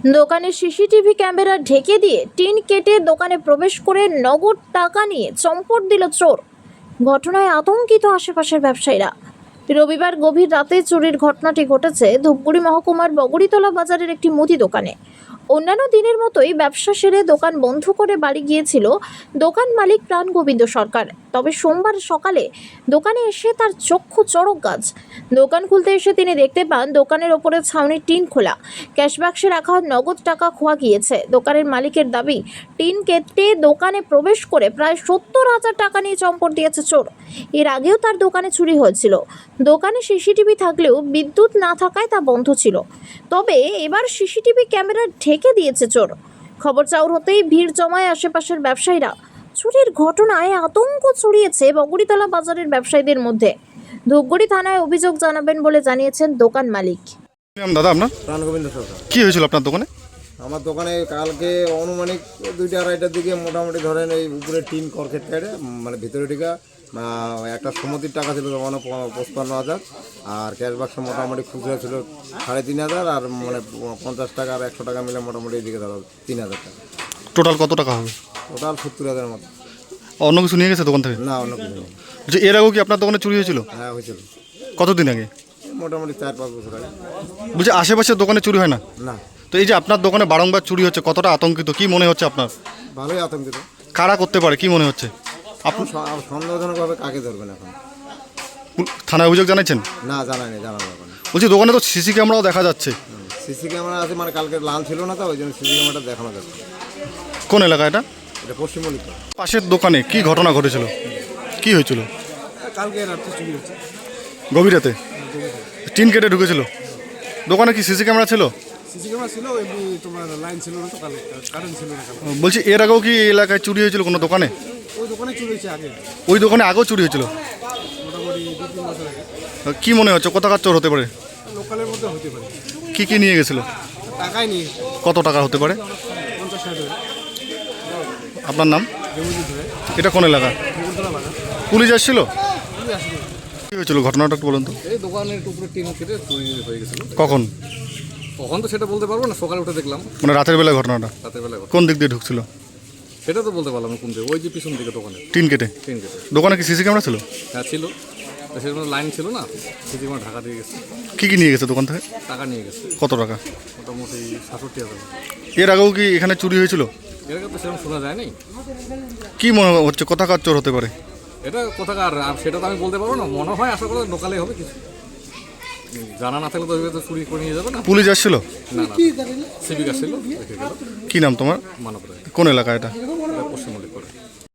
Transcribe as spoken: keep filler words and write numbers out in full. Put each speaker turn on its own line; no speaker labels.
দোকানের CCTV camera ঢেকে দিয়ে টিন কেটে দোকানে প্রবেশ করে নগদ টাকা নিয়ে চম্পট দিল চোর। ঘটনায় আতঙ্কিত আশেপাশের ব্যবসায়ীরা। রবিবার গভীর রাতে চুরির ঘটনাটি ঘটেছে ধূপগুড়ি মহকুমার বগড়িতলা বাজারের একটি মুদি দোকানে। অন্যান্য দিনের মতোই ব্যবসা সেরে দোকান বন্ধ করে বাড়ি গিয়েছিল দোকান মালিক প্রাণ গোবিন্দ সরকার। তবে সোমবার সকালে দোকানে এসে তার চক্ষু চড়ক গাছ। দোকান খুলতে এসে তিনি দেখতে পান দোকানের ওপরে ছাউনির টিন খোলা, ক্যাশ বাক্সে রাখা নগদ টাকা খোয়া গিয়েছে। দোকানের মালিকের দাবি, টিন কেটে দোকানে প্রবেশ করে প্রায় সত্তর হাজার টাকা নিয়ে চম্পট দিয়েছে চোর। এর আগেও তার দোকানে চুরি হয়েছিল। দোকানে সিসিটিভি থাকলেও বিদ্যুৎ না থাকায় তা বন্ধ ছিল। তবে এবার সিসিটিভি ক্যামেরা ঢেকে দিয়েছে চোর। খবর চাউর হতেই ভিড় জমায় আশেপাশের ব্যবসায়ীরা। চুরির ঘটনায় আতঙ্ক ছড়িয়েছে বগড়িতলা বাজারের ব্যবসায়ীদের মধ্যে। ধূপগুড়ি থানায় অভিযোগ জানাবেন বলে জানিয়েছেন দোকান মালিক।
দাদা, আপনার
প্রাণ গোবিন্দ সরকার।
কি হয়েছিল আপনার দোকানে?
আমার দোকানে কালকে অনুমানিক দুইটা আড়াইটার দিকে মোটামুটি ধরেন এই উপরে টিন কর্কেট কাটে মানে ভিতরে টিকা একটা সমতির টাকা ছিল তখন পঁচপান্ন হাজার, আর ক্যাশ বাক্স মোটামুটি খুচরা ছিল সাড়ে তিন হাজার, আর মানে পঞ্চাশ টাকা আর একশো টাকা মিলে মোটামুটি এদিকে ধরো তিন হাজার টাকা।
টোটাল কত টাকা হবে?
টোটাল সত্তর হাজার মতো।
অন্য কিছু নিয়ে গেছে দোকান থেকে?
না, অন্য কিছু নেই।
যে এর আগেও কি আপনার দোকানে চুরি হয়েছিল?
হ্যাঁ, হয়েছিল।
কতদিন আগে?
মোটামুটি চার পাঁচ বছর আগে।
বলছি আশেপাশের দোকানে চুরি হয় না?
না।
তো এই যে আপনার দোকানে বারংবার চুরি হচ্ছে, কতটা আতঙ্কিত, কি মনে হচ্ছে আপনার?
ভালোই আতঙ্কিত।
কারা করতে পারে কি মনে হচ্ছে?
আপনি সন্দেহজনকভাবে কাকে ধরবেন এখন?
থানায় অভিযোগ জানাচ্ছেন?
না, জানায়নি, জানানো ব্যাপার না।
বলছি দোকানে তো সিসি ক্যামেরাও দেখা যাচ্ছে।
সিসি ক্যামেরা আছে, মানে কালকে লাল ছিল না, তো ওই জন্য সিসি ক্যামেরাটা দেখানো যাচ্ছে।
কোন এলাকা এটা?
এটা পশ্চিম মল্লিকা।
পাশের দোকানে কি ঘটনা ঘটেছিল, কি হয়েছিল?
কালকে রাত্রে চুরি হচ্ছে।
গভীর রাতে টিন কেটে ঢুকেছিল দোকানে? কি সিসি ক্যামেরা ছিল?
সিসি ক্যামেরা ছিল, এমনি তোমার লাইন ছিল না, তো কারেন্ট ছিল না।
বলছি এর আগেও কি এই এলাকায় চুরি হয়েছিল কোনো দোকানে?
ওই দোকানে চুরি হয়েছে আগে,
ওই দোকানে আগেও চুরি হয়েছিল?
মোটামুটি দু তিন বছর আগে।
কি মনে হচ্ছে কোথাকার চোর হতে পারে?
লোকালের মধ্যে হতে পারে।
কি কি নিয়ে গেছিল?
টাকাই নিয়ে
কত টাকা হতে পারে?
পঞ্চাশ ষাট হাজার।
আপনার নাম?
জমি ধরে
এটা কোন এলাকা?
বগুড়তলা বাজার।
পুলিশ আসছিল?
চুরি আসলো।
কি হয়েছিল ঘটনাটা একটু বলুন তো।
এই দোকানের উপরে টিন কেটে চুরি হয়ে গেছিল।
কখন?
কখন তো সেটা বলতে পারবো না, সকালে উঠে দেখলাম।
মানে রাতের বেলা ঘটনাটা?
রাতের বেলা ঘটনা।
কোন দিক দিয়ে ঢুকছিল
সেটা তো বলতে পারলাম না কোন দিকে, ওই যে পিছন দিকে দোকানে
টিন কেটে।
টিন কেটে
দোকানে কি সিসি ক্যামেরা ছিল?
হ্যাঁ ছিল, তো সেরকম লাইন ছিল না, সিসি ক্যামেরা ঢাকা দিয়ে গেছে।
কি কি নিয়ে গেছে দোকান থেকে?
টাকা নিয়ে গেছে
কত টাকা?
মোটামুটি সাতষট্টি হাজার।
এর আগেও কি এখানে চুরি হয়েছিল?
এর আগে তো সেরকম শোনা যায় নাই।
কি মনে হচ্ছে কোথাকার চোর হতে পারে?
এটা কোথাকার আর সেটা তো আমি বলতে পারবো না, মনে হয় আশা করি লোকালে হবে কিছু। জানা না থাকলে তো ওইভাবে তো চুরি করে নিয়ে যাবে না।
পুলিশ আসছিল?
না না, সিভিক আসছিল, দেখে গেল।
কি নাম তোমার?
মানব রায়।
কোন এলাকা এটা?
পশ্চিম মল্লিক করে।